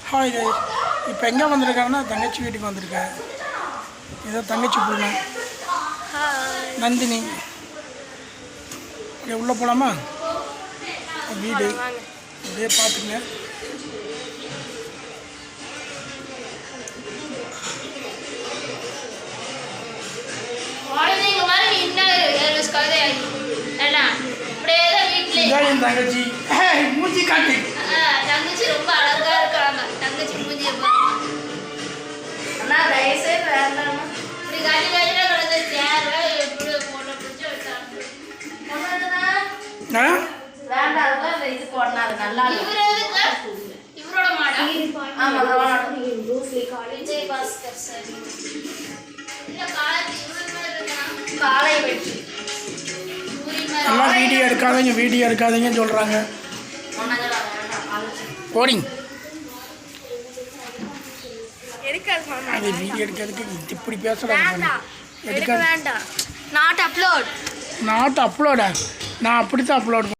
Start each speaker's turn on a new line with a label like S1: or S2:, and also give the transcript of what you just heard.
S1: Hi guys, இப்போ எங்கே வந்திருக்காங்கன்னா தங்கச்சி வீட்டுக்கு வந்திருக்கேன். ஏதோ தங்கச்சி பொண்ணு நந்தினி. அப்படியே உள்ளே போகலாமா? வீடு அப்படியே பார்த்துங்க. என் தங்கச்சி மூஞ்சி காட்டு.
S2: தங்கச்சி ரொம்ப அழகா இருக்காங்க. தங்கச்சி மூஞ்சியை பாருங்க. அண்ணா தயவுசெய்து வேண்டாம். இப்படி காட்டி காட்டினா கிடந்த சேர எப்படி போன பிடிச்சி வச்சாங்க. வேண்டாம், அதெல்லாம் இது போடணும். நல்லா இவரோட மாடல். ஆமா, விஜய் பாஸ்கர் சார். இல்ல காலை வெட்டி
S1: எல்லாம் வீடியோ எடுக்காதீங்க சொல்கிறாங்க. போடிங் அது வீடியோ எடுக்கிறதுக்கு இப்படி பேசுகிறாங்க.
S2: எடுக்க வேண்டாம். நாட் அப்லோடா?
S1: நான் அப்படித்தான் அப்லோட்